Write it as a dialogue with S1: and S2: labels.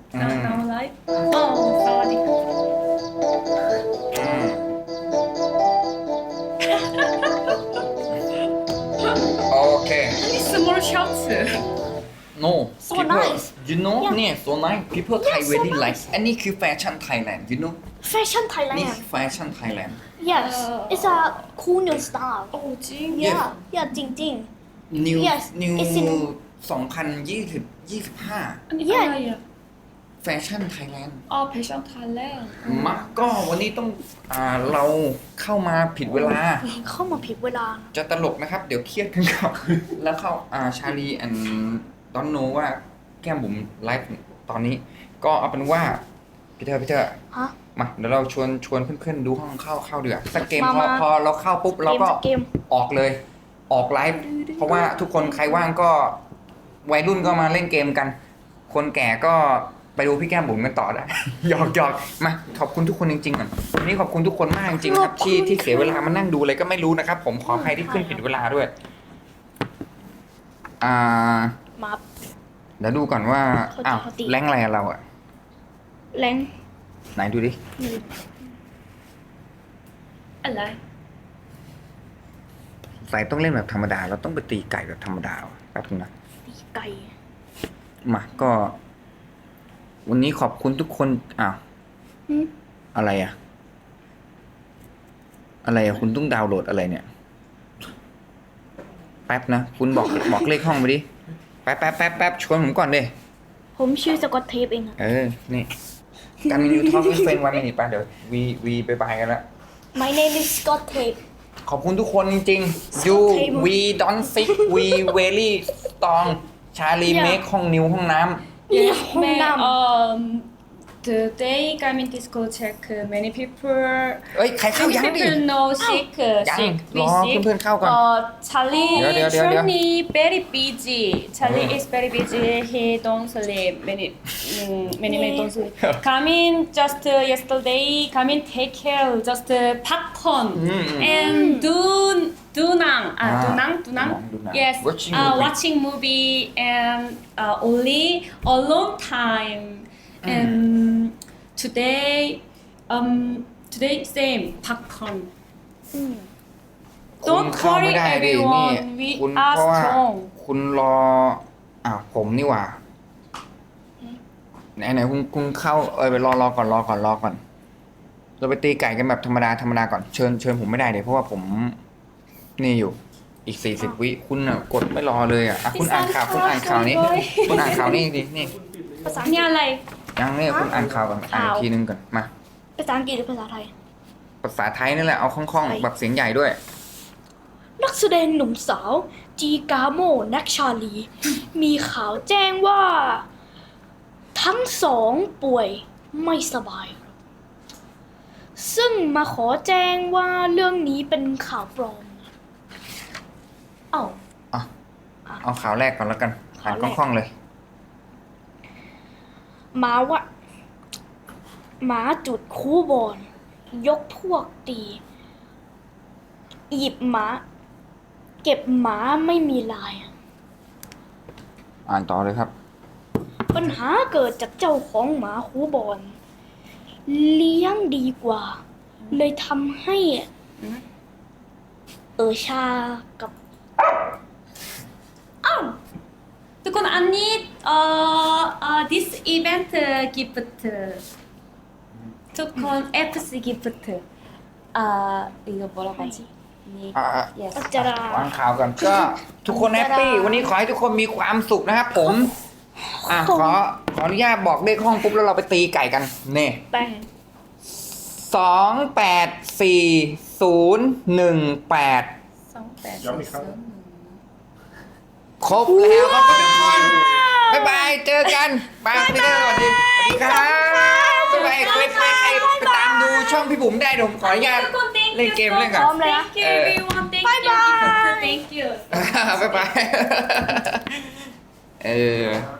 S1: Now live. Oh, sorry.
S2: โอเค
S1: Only small shots.
S2: no
S3: So
S2: people
S3: nice.
S2: you know
S3: Yeah.
S2: เนี่ย so nice people Thai
S3: Yeah, so
S2: really
S3: nice.
S2: like อันนี้คือแฟชั่นไทยแลนด์ you know
S3: Fashion
S2: นี่
S3: Thailand.
S2: คือแฟชั่นไทยแลนด์
S3: Yes, it's a cool new style.
S1: Oh, 징.
S3: Yeah, yeah, Jing Jing.
S2: new
S3: Yes,
S2: new
S3: it's in-
S2: 2025
S1: 아니,
S3: Yeah.
S1: 아야.
S2: แฟชั่นไทยแลนด์
S1: 아, 패션 Thailand.
S2: มาก็วันนี้ต้องเราเข้ามาผิดเวลา
S3: เข้ามาผิดเวลา
S2: จะตลกนะครับ เดี๋ยวเครียดกันครับ แล้วเข้าชาลีแอนดอนโนว่าแก้มบุ๋มไลฟ์ตอนนี้ ก็เอาเป็นว่าพี่เธอ
S3: ฮะ
S2: มาเดี๋ยวเราชวนเพื่อนๆดูห้องเข้าเดือสักเกม
S3: มา
S2: พอเราเข้าปุ๊บเราก็
S3: เกม
S2: ออกเลยออกไลฟ์เพราะว่าทุกคนใครว่างก็วัยรุ่นก็มาเล่นเกมกัน คนแก่ก็ไปดูพี่แก้มบุ๋มกันต่อได้ หยอกมาขอบคุณทุกคนจริงๆก่อนวันนี้ขอบคุณทุกคนมากจริงๆครับที่เสียเวลามานั่งดูอะไรก็ไม่รู้นะครับ ผมขออภัยที่ขึ้นผิดเวลาด้วย
S3: มา
S2: เดี๋ยวดูก่อนว่า
S3: เขาจะ
S2: อ้าว
S3: เขาตี
S2: แรงอะไรอะเราอะ
S3: แรง
S2: ไหนดูดิ
S1: 알라.
S2: ใส่ต้องเล่นแบบธรรมดาเราต้องไปตีไก่แบบธรรมดาแป๊บนึงนะ
S3: ตีไก่
S2: มาก็ วันนี้ขอบคุณทุกคนอ้าว
S3: หืม
S2: อะไรอะคุณต้องดาวน์โหลดอะไรเนี่ย แป๊บนะคุณบอกเลขห้องไปดิแป๊บชวนผมก่อนดิ
S3: ผมชื่อสกอตเทปเองอะ
S2: นี่การมิวทอล์กเฟนวันนี้ป่ะเดี๋ยววีไปบายกันละ
S3: My name is Scott Tape
S2: ขอบคุณทุกคนจริงๆ you we don't sick we very strong ชาลี
S3: Yeah.
S2: เมคห้องนิ้วห้องน้
S1: Yes,
S3: Hong Nam.
S1: Today Garmin Disco check many people.
S2: ำเอ้ย ใครเข้า
S1: Many
S2: ยังดิ
S1: people know sick.
S2: ยัง
S1: sick.
S2: รอ
S1: sick.
S2: เพื่อนๆเข้าก่อน
S1: Charlie,
S2: เดี๋ยว
S1: Charlie very busy. Charlie is very busy. He don't sleep many don't sleep. Garmin just yesterday. Garmin take care just popcorn and Dunang. Dunang.
S2: Dunang.
S1: Yes.
S2: Watching movie.
S1: Watching movie and only a long time. And today same popcorn.
S2: คุณ
S1: Don't
S2: เข้าไม่
S1: worry
S2: ได้ดินี่
S1: everyone. We
S2: คุณ
S1: are
S2: เพราะว่า
S1: strong.
S2: คุณรอผมนี่หว่าไหนคุณเข้าไปรอก่อนเราไปตีไก่กันแบบธรรมดาก่อนเชิญผมไม่ได้เลยเพราะว่าผมนี่อยู่อีก40 วิคุณกดไม่รอเลยคุณอ่านข่าวนี้คุณอ่านข่าวนี้ดินี่
S3: ภาษา
S1: นี่อะไร
S2: ยังเนี่ยคุณอ่านข่าวก่อนอ่านอีกทีนึงก่อนมา
S3: ภาษาอังกฤษหรือภาษาไทย
S2: ภาษาไทยนี่แหละเอาคล่องๆแบบเสียงใหญ่ด้วย
S3: นักแสดงหนุ่มสาว จีกาโมนักชาลี มีข่าวแจ้งว่า ทั้งสองป่วยไม่สบาย ซึ่งมาขอแจ้งว่าเรื่องนี้เป็นข่าวปลอม เอ้า
S2: เอาข่าวแรกก่อนแล้วกันอ่าน
S3: ข่าว
S2: ค
S3: แรก
S2: ล่องๆเลย
S3: หมาจุดคูบอลยกพวกตีหยิบหมา เก็บหมาไม่มีลาย
S2: อ่านต่อเลยครับ
S3: ปัญหาเกิดจากเจ้าของหมาคูบอลเลี้ยงดีกว่า เลยทำให้ชากับ
S1: ทุกคนอันนี้this event gift ทุกคน FC gift 이거 뭐라고 하지? Yes.
S3: อัจจาราว
S2: างข่าวก่อนก็ทุกคนแฮปปี้วันนี้ขอให้ทุกคนมีความสุขนะครับผมขออนุญาตบอกเลขห้องปุ๊บแล้วเราไปตีไก่กันเน่
S3: แป้ง
S2: 284018
S1: 28
S2: ครบแล้วขอบคุณทุกคนบ๊ายบายเจอกันบายพี่เตอร์สวัสดีครับบ๊ายบายใครไปตามดูช่องพี่บุ๋มได้เดี๋ยวผมขออนุญาต เล่นเกมเล่นก่อน
S1: Thank you everyone. Thank you. Thank you.
S2: บ๊ายบาย